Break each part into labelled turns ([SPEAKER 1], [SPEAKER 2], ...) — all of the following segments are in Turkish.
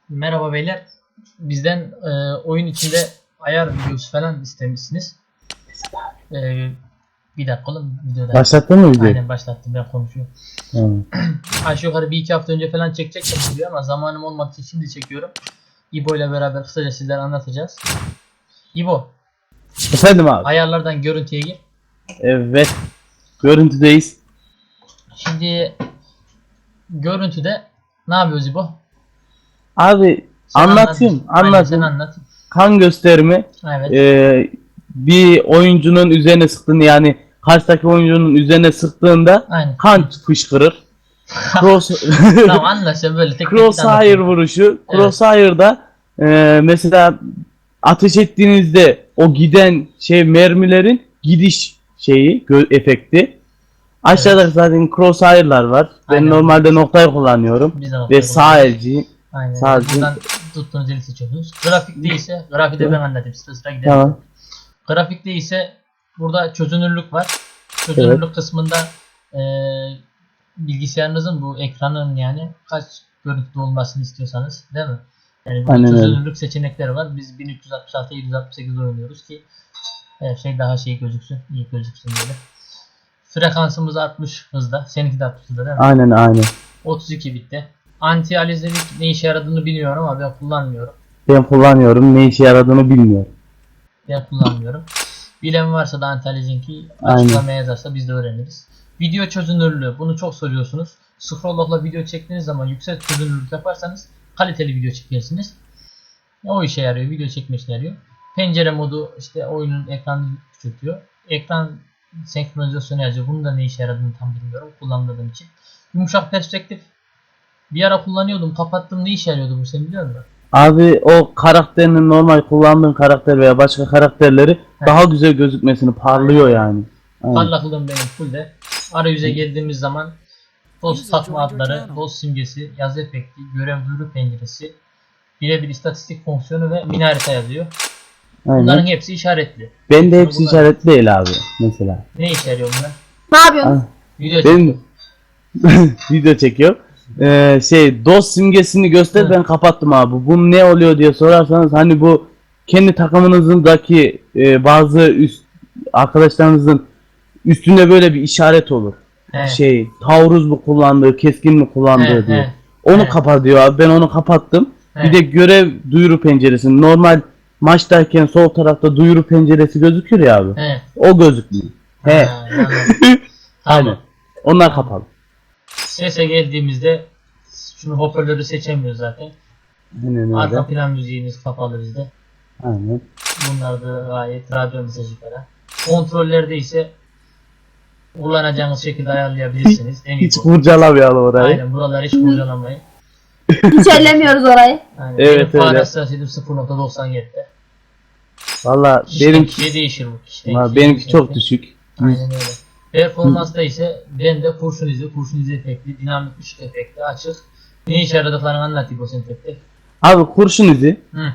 [SPEAKER 1] Merhaba beyler. Bizden oyun içinde ayar videosu falan istemişsiniz. Bir dakika oğlum videoda.
[SPEAKER 2] Başlattın mı videoyu?
[SPEAKER 1] Aynen başlattım, ben konuşuyorum. Aşağı yukarı bir iki hafta önce falan çekecektim diyor ama zamanım olmadığı için şimdi çekiyorum. İbo ile beraber kısaca sizlere anlatacağız. İbo,
[SPEAKER 2] Efendim abi.
[SPEAKER 1] ayarlardan görüntüye gir.
[SPEAKER 2] Evet. Görüntüdeyiz.
[SPEAKER 1] Şimdi görüntüde ne yapıyoruz İbo?
[SPEAKER 2] Abi
[SPEAKER 1] Sen
[SPEAKER 2] anlatayım.
[SPEAKER 1] Aynen, sen anlat.
[SPEAKER 2] Kan gösterimi
[SPEAKER 1] Evet.
[SPEAKER 2] bir oyuncunun üzerine sıktığında, yani karşıdaki oyuncunun üzerine sıktığında
[SPEAKER 1] Aynen.
[SPEAKER 2] kan fışkırır.
[SPEAKER 1] Tamam, anla sen böyle tek
[SPEAKER 2] Crosshair vuruşu.
[SPEAKER 1] Evet.
[SPEAKER 2] Crosshair'da mesela ateş ettiğinizde o giden mermilerin gidiş efekti. Aşağıda zaten crosshair'lar var. Ben
[SPEAKER 1] Aynen.
[SPEAKER 2] normalde noktayı kullanıyorum.
[SPEAKER 1] Biz de noktayı
[SPEAKER 2] Ve sağ elci.
[SPEAKER 1] Aynen.
[SPEAKER 2] Sadece-
[SPEAKER 1] Buradan tuttuğunuz eli seçiyorsunuz. Grafik değilse, grafiği de ben anlatayım. Sıra gidelim.
[SPEAKER 2] Tamam.
[SPEAKER 1] Grafik değilse burada çözünürlük var. Çözünürlük kısmında bilgisayarınızın bu ekranın yani kaç görüntüde olmasını istiyorsanız, değil mi? Yani burada
[SPEAKER 2] Aynen öyle.
[SPEAKER 1] çözünürlük seçenekleri var. Biz 1366 768 oynuyoruz ki her şey daha gözüksün, iyi gözüksün böyle. Frekansımız 60 hızda. Seninki de 60 hızda değil mi?
[SPEAKER 2] Aynen.
[SPEAKER 1] 32 bitti. Anti alizelik ne işe yaradığını bilmiyorum ama ben kullanmıyorum.
[SPEAKER 2] Ben kullanıyorum. Ne işe yaradığını bilmiyorum.
[SPEAKER 1] Ben kullanmıyorum. Bilen varsa da anti alizelik'i
[SPEAKER 2] Aynen.
[SPEAKER 1] açıklamaya yazarsa biz de öğreniriz. Video çözünürlüğü. Bunu çok soruyorsunuz. Scrolllock'la video çektiğiniz zaman yüksek çözünürlük yaparsanız kaliteli video çekersiniz. O işe yarıyor. Video çekme işe yarıyor. Pencere modu işte oyunun ekranını küçültüyor. Ekran senkronizasyonu yazıyor. Bunun da ne işe yaradığını tam bilmiyorum kullanmadığım için. Yumuşak perspektif. Bir ara kullanıyordum. Kapattım. Ne işe yarıyordu bu, sen biliyor musun?
[SPEAKER 2] Abi o karakterinin, normal kullandığın karakter veya başka karakterleri daha güzel gözükmesini parlıyor yani. Aynen.
[SPEAKER 1] Parlaklığım benim full de. Arayüze geldiğimiz zaman dost takma adları, dost simgesi, yazı efekti, görev duyuru penceresi, birebir istatistik fonksiyonu ve mini harita yazıyor. Bunların
[SPEAKER 2] Aynen.
[SPEAKER 1] hepsi işaretli.
[SPEAKER 2] Ben de hepsi
[SPEAKER 1] Bunlar-
[SPEAKER 2] işaretli değil abi mesela.
[SPEAKER 1] Ne işe yarıyor bunlar?
[SPEAKER 3] Ne yapıyorsun?
[SPEAKER 2] Ah,
[SPEAKER 1] Video
[SPEAKER 2] Ben video çekiyor. Dost simgesini göster,
[SPEAKER 1] Hı.
[SPEAKER 2] ben kapattım abi. Bu ne oluyor diye sorarsanız, hani bu kendi takımınızdaki bazı arkadaşlarınızın üstünde böyle bir işaret olur.
[SPEAKER 1] He.
[SPEAKER 2] Taarruz mu kullandığı, keskin mi kullandığı
[SPEAKER 1] He,
[SPEAKER 2] diye.
[SPEAKER 1] he.
[SPEAKER 2] Onu
[SPEAKER 1] He.
[SPEAKER 2] kapatıyor abi. Ben onu kapattım.
[SPEAKER 1] He.
[SPEAKER 2] Bir de görev duyuru penceresi. Normal maçtayken sol tarafta duyuru penceresi gözükür ya abi.
[SPEAKER 1] He.
[SPEAKER 2] O gözükmüyor. He.
[SPEAKER 1] Ha, anladım.
[SPEAKER 2] Aynen.
[SPEAKER 1] Tamam.
[SPEAKER 2] Onlar kapalı.
[SPEAKER 1] Sese geldiğimizde şunu, hoparlörü seçemiyoruz zaten.
[SPEAKER 2] Aynen
[SPEAKER 1] Arka
[SPEAKER 2] öyle.
[SPEAKER 1] plan müziğimiz kapalı bizde.
[SPEAKER 2] Aynen.
[SPEAKER 1] Bunlar da gayet radyo mesajı falan. Kontrollerde ise kullanacağınız şekilde ayarlayabilirsiniz. En iyi
[SPEAKER 2] Hiç
[SPEAKER 1] bu.
[SPEAKER 2] kurcalamayalım orayı.
[SPEAKER 1] Aynen, buraları hiç kurcalamayın.
[SPEAKER 3] Hiç ellemiyoruz orayı.
[SPEAKER 1] Aynen.
[SPEAKER 2] Evet,
[SPEAKER 1] Benim
[SPEAKER 2] öyle.
[SPEAKER 1] fare hassasiyetim 0.97'de.
[SPEAKER 2] Valla
[SPEAKER 1] Kişiden
[SPEAKER 2] benimki,
[SPEAKER 1] kişiye değişir bu. Kişiden
[SPEAKER 2] valla
[SPEAKER 1] kişiye
[SPEAKER 2] benimki çok
[SPEAKER 1] değişir.
[SPEAKER 2] düşük.
[SPEAKER 1] Aynen öyle. Performansta ise bende kurşun izi efekti, dinamik ışık efekti açık. Ne işe yaradıklarını anlatayım o senin tek tek.
[SPEAKER 2] Abi kurşun izi
[SPEAKER 1] Hı.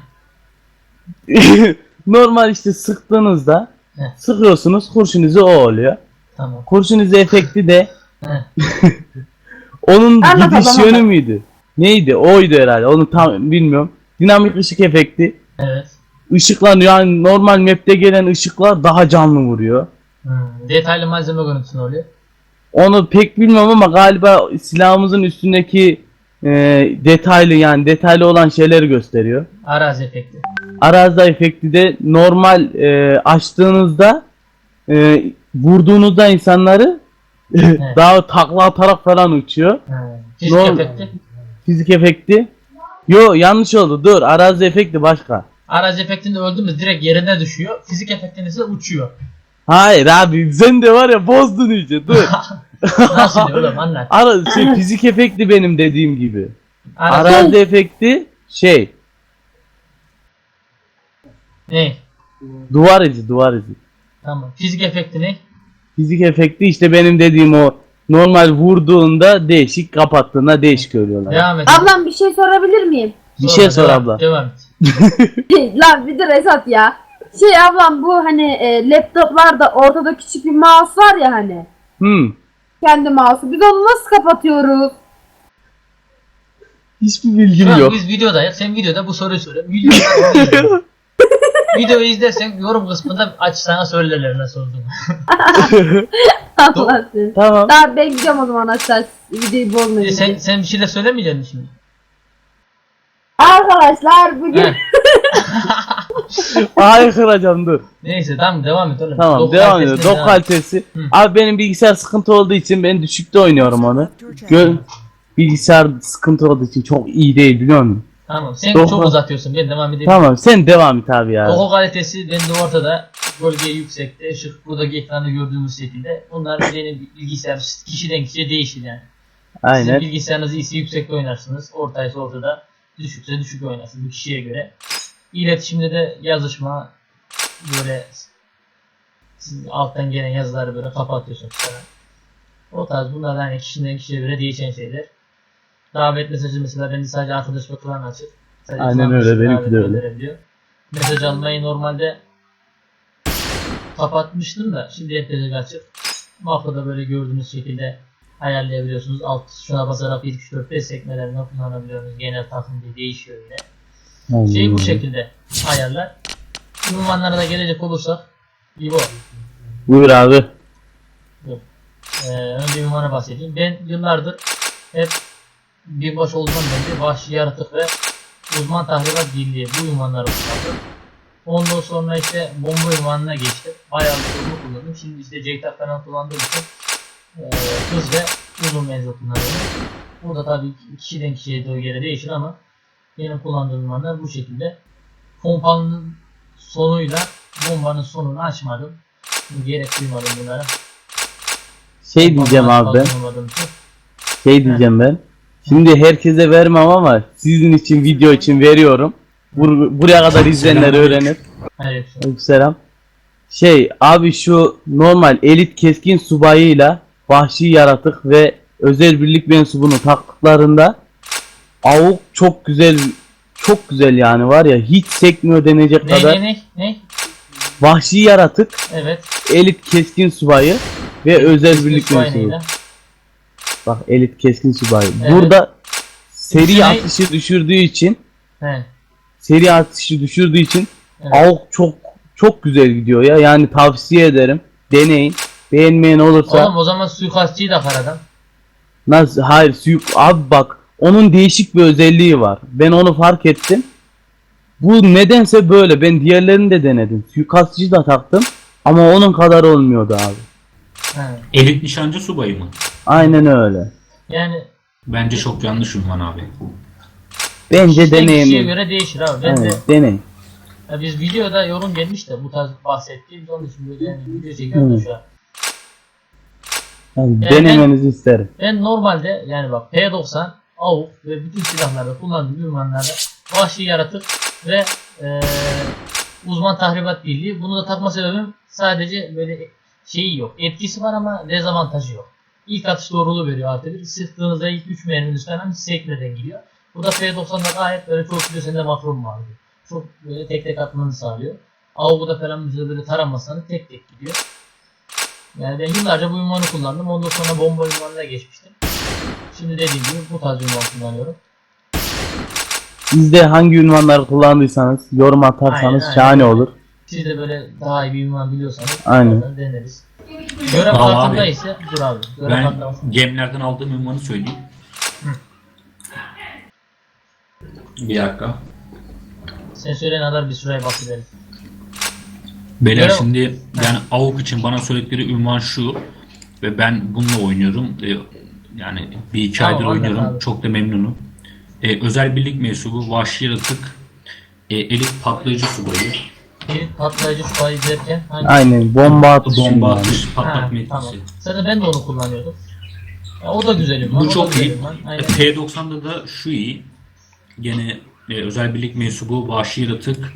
[SPEAKER 2] normal işte sıktığınızda
[SPEAKER 1] Heh.
[SPEAKER 2] sıkıyorsunuz, kurşun izi o oluyor.
[SPEAKER 1] Tamam.
[SPEAKER 2] Kurşun izi efekti de
[SPEAKER 1] Heh.
[SPEAKER 2] onun
[SPEAKER 3] Anlat,
[SPEAKER 2] gidiş
[SPEAKER 3] anlat.
[SPEAKER 2] yönü müydü? Neydi? Oydu herhalde. Onu tam bilmiyorum. Dinamik ışık efekti.
[SPEAKER 1] Evet.
[SPEAKER 2] Işıklar, yani normal map'te gelen ışıklar daha canlı vuruyor.
[SPEAKER 1] Detaylı malzeme görüntüsü oluyor.
[SPEAKER 2] Onu pek bilmiyorum ama galiba silahımızın üstündeki detaylı olan şeyleri gösteriyor.
[SPEAKER 1] Arazi efekti.
[SPEAKER 2] Arazi efekti de normal açtığınızda vurduğunuzda insanları daha takla atarak falan uçuyor.
[SPEAKER 1] Fizik
[SPEAKER 2] Normal.
[SPEAKER 1] efekti.
[SPEAKER 2] Fizik efekti. Yo, yanlış oldu. Dur, arazi efekti başka.
[SPEAKER 1] Arazi efektinde öldüğümüz direkt yerine düşüyor. Fizik efektinde ise uçuyor.
[SPEAKER 2] Hayır abi, sen de var ya, bozdun iyice. Dur.
[SPEAKER 1] Nasıl diyor oğlum, anlat.
[SPEAKER 2] Fizik efekti benim dediğim gibi.
[SPEAKER 1] Arazi.
[SPEAKER 2] Arazi efekti
[SPEAKER 1] Ne?
[SPEAKER 2] duvar izi.
[SPEAKER 1] Tamam. Fizik efekti ne?
[SPEAKER 2] Fizik efekti işte benim dediğim o, normal vurduğunda değişik, kapattığında değişik görüyorlar.
[SPEAKER 1] Devam et.
[SPEAKER 3] Ablam bir şey sorabilir miyim?
[SPEAKER 2] Bir şey sor
[SPEAKER 1] Devam-
[SPEAKER 2] abla.
[SPEAKER 1] Devam et.
[SPEAKER 3] Lan bir de Esat ya. Ablam, bu hani laptoplarda ortada küçük bir mouse var ya hani.
[SPEAKER 2] Hmm.
[SPEAKER 3] Kendi mouse'u. Biz onu nasıl kapatıyoruz?
[SPEAKER 2] Hiçbir
[SPEAKER 1] Şu
[SPEAKER 2] bilgim
[SPEAKER 1] an
[SPEAKER 2] yok.
[SPEAKER 1] biz videodayız. Sen videoda bu soruyu söyle. Videoda videoyu izlersen yorum kısmında aç sana söylerler nasıl olduğunu.
[SPEAKER 3] Allah seni.
[SPEAKER 2] Tamam.
[SPEAKER 3] Daha ben gidiyorum o zaman aşağı videoyu bozmayın.
[SPEAKER 1] Sen bir şey de söylemeyeceksin şimdi.
[SPEAKER 3] Arkadaşlar bugün
[SPEAKER 1] Heh.
[SPEAKER 2] Hayır kıracağım dur.
[SPEAKER 1] Neyse tamam devam et oğlum.
[SPEAKER 2] Tamam
[SPEAKER 1] Doku
[SPEAKER 2] devam ediyor.
[SPEAKER 1] kalitesine
[SPEAKER 2] Dok
[SPEAKER 1] devam.
[SPEAKER 2] kalitesi.
[SPEAKER 1] Hı.
[SPEAKER 2] Abi benim bilgisayar sıkıntı olduğu için ben düşükte oynuyorum onu. Bilgisayar sıkıntı olduğu için çok iyi değil biliyor musun?
[SPEAKER 1] Tamam sen
[SPEAKER 2] Doku-
[SPEAKER 1] çok uzatıyorsun. Ben devam edeyim.
[SPEAKER 2] Tamam sen devam et abi ya.
[SPEAKER 1] Doku kalitesi bende ortada. Gölge yüksekte. Işık buradaki ekranda gördüğümüz şekilde. Bunlar benim bilgisayar kişiden kişiye değişir yani. Sizin
[SPEAKER 2] Aynen.
[SPEAKER 1] bilgisayarınız iyisi yüksekte oynarsınız. Ortaysa ortada. Düşükse düşük oynarsınız. Bu kişiye göre. İletişimde de yazışma böyle siz alttan gelen yazıları böyle kapatıyorsunuz falan. O tarz bunlar yani kişiden kişiye göre değişen şeyler. Davet mesajı mesela bende sadece arkadaş ve klan açık. Sadece
[SPEAKER 2] Aynen
[SPEAKER 1] klan
[SPEAKER 2] öyle,
[SPEAKER 1] dışı
[SPEAKER 2] benimki
[SPEAKER 1] davet
[SPEAKER 2] de öyle.
[SPEAKER 1] gönderebiliyor. Mesaj almayı normalde kapatmıştım da şimdi herkese açık. Makroda böyle gördüğünüz şekilde ayarlayabiliyorsunuz. Alt şuna basarak 1, 2, 4, 5 sekmelerini kullanabiliyorsunuz. Genel takım diye değişiyor yine. Şey bu şekilde ayarlar. Ünvanlara da gelecek olursak İbo.
[SPEAKER 2] Buyur abi.
[SPEAKER 1] Önce ünvana bahsedeyim. Ben yıllardır hep binbaş olduğumdan beri vahşi yaratık ve uzman tahribat birliği bu ünvanları kullandım. Ondan sonra işte bomba ünvanına geçtim. Bayağı bir sorunu kullandım. Şimdi işte JTAG falan kullandığım için hız ve uzun menzil kullanıyorum. Bu da tabii kişiden kişiye göre değişir ama benim kullandığım ünvanlar bu şekilde. Pompanın sonuyla bombanın sonunu açmadım. Gerek duymadım bunlara.
[SPEAKER 2] Şey diyeceğim abi ben.
[SPEAKER 1] Kullanmadığım için.
[SPEAKER 2] Şey diyeceğim ben. Şimdi herkese vermem ama sizin için video için veriyorum. Buraya kadar izleyenler öğrenir.
[SPEAKER 1] Evet.
[SPEAKER 2] Selam. Şey abi şu normal elit keskin subayıyla vahşi yaratık ve özel birlik mensubunu taktıklarında avuk çok güzel, çok güzel yani var ya hiç sekmiyor denecek kadar.
[SPEAKER 1] Ne?
[SPEAKER 2] Vahşi yaratık,
[SPEAKER 1] Evet.
[SPEAKER 2] elit keskin subayı ve özel birlik
[SPEAKER 1] Üstü
[SPEAKER 2] mensubu.
[SPEAKER 1] aynıyla.
[SPEAKER 2] Bak elit keskin subayı.
[SPEAKER 1] Evet.
[SPEAKER 2] Burada seri
[SPEAKER 1] Üstüne-
[SPEAKER 2] atışı düşürdüğü için
[SPEAKER 1] He. Evet.
[SPEAKER 2] avuk çok güzel gidiyor ya. Yani tavsiye ederim. Deneyin. Beğenmeyen olursa
[SPEAKER 1] Oğlum o zaman suikastçıyı da karadan.
[SPEAKER 2] nasıl hayır abi bak onun değişik bir özelliği var. Ben onu fark ettim. Bu nedense böyle. Ben diğerlerini de denedim. Suikastçıyı da taktım ama onun kadar olmuyordu abi.
[SPEAKER 1] He.
[SPEAKER 4] Elit nişancı subayı mı?
[SPEAKER 2] Aynen öyle.
[SPEAKER 1] Yani
[SPEAKER 4] Bence çok yanlış ünvan abi.
[SPEAKER 2] Bence
[SPEAKER 1] kişiden kişiye
[SPEAKER 2] deneyin.
[SPEAKER 1] göre değişir abi. Ben de
[SPEAKER 2] Evet, deneyin.
[SPEAKER 1] ya biz videoda yorum gelmiş de bu tarz bahsettiğimiz onun için böyle yani video çekiyoruz şu an.
[SPEAKER 2] Yani
[SPEAKER 1] Yani
[SPEAKER 2] denemenizi isterim.
[SPEAKER 1] Ben normalde yani bak P90, AUK ve bütün silahlarda kullandığım ünvanlarda vahşi yaratık ve uzman tahribat birliği. Bunu da takma sebebim sadece böyle şeyi yok. Etkisi var ama dezavantajı yok. İlk atış doğruluğu veriyor artı bir. Sıktığınızda ilk 3 merminiz falan hiç sekmeden gidiyor. Bu da P90'da gayet böyle çok güzel sende makron var. Çok böyle tek tek atmanı sağlıyor. AUK'da falan bize böyle taramasını tek tek gidiyor. Yani ben yıllarca bu ünvanı kullandım. Ondan sonra bomba ünvanına geçmiştim. Şimdi dediğim gibi bu tarz ünvan kullanıyorum.
[SPEAKER 2] Siz de hangi ünvanları kullandıysanız yorum atarsanız
[SPEAKER 1] Aynen,
[SPEAKER 2] şahane
[SPEAKER 1] aynen.
[SPEAKER 2] olur.
[SPEAKER 1] Siz de böyle daha iyi bir ünvan biliyorsanız
[SPEAKER 2] Aynen.
[SPEAKER 1] onları deneriz. Görev
[SPEAKER 4] Tamam
[SPEAKER 1] kartında
[SPEAKER 4] abi.
[SPEAKER 1] ise dur abi. Görev
[SPEAKER 4] Ben
[SPEAKER 1] kartında
[SPEAKER 4] gemlerden aldığım ünvanı söyleyeyim. Bir dakika.
[SPEAKER 1] sen söyleyen kadar bir süreye bahsedelim.
[SPEAKER 4] Beyler
[SPEAKER 1] Görev-
[SPEAKER 4] şimdi yani AUK için bana söyledikleri ünvan şu ve ben bununla oynuyorum. Yani bir iki
[SPEAKER 1] Tamam,
[SPEAKER 4] aydır
[SPEAKER 1] anladım
[SPEAKER 4] oynuyorum.
[SPEAKER 1] abi.
[SPEAKER 4] Çok da memnunum. Özel birlik mensubu, vahşi yaratık, elit patlayıcı subayı,
[SPEAKER 1] Elit patlayıcı subayı derken hangi?
[SPEAKER 2] Aynen bomba atışı.
[SPEAKER 4] bomba
[SPEAKER 2] yani.
[SPEAKER 4] atış,
[SPEAKER 1] Ha,
[SPEAKER 4] patlatma
[SPEAKER 1] tamam.
[SPEAKER 4] etkisi.
[SPEAKER 1] Zaten ben de onu kullanıyordum. Ya, o da güzel ünvan. o
[SPEAKER 4] Bu
[SPEAKER 1] da
[SPEAKER 4] çok
[SPEAKER 1] güzel
[SPEAKER 4] iyi.
[SPEAKER 1] ünvan. Aynen.
[SPEAKER 4] P90'da da şu iyi. Gene özel birlik mensubu, vahşi yaratık,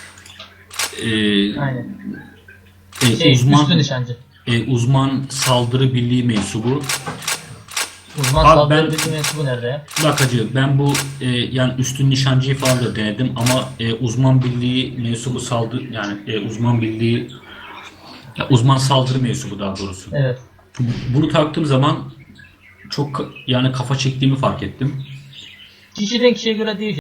[SPEAKER 1] Aynen. Üstün
[SPEAKER 4] uzman
[SPEAKER 1] nişancı.
[SPEAKER 4] uzman saldırı birliği mensubu.
[SPEAKER 1] Uzman
[SPEAKER 4] Abi
[SPEAKER 1] saldırı
[SPEAKER 4] ben-
[SPEAKER 1] birliği mensubu nerede ya?
[SPEAKER 4] Bak hacı ben bu yani üstün nişancıyı falan da denedim ama uzman birliği mensubu uzman birliği uzman saldırı mensubu daha doğrusu.
[SPEAKER 1] Evet.
[SPEAKER 4] Bunu taktığım zaman çok yani kafa çektiğimi fark ettim.
[SPEAKER 1] Kişiden kişiye göre değişiyor.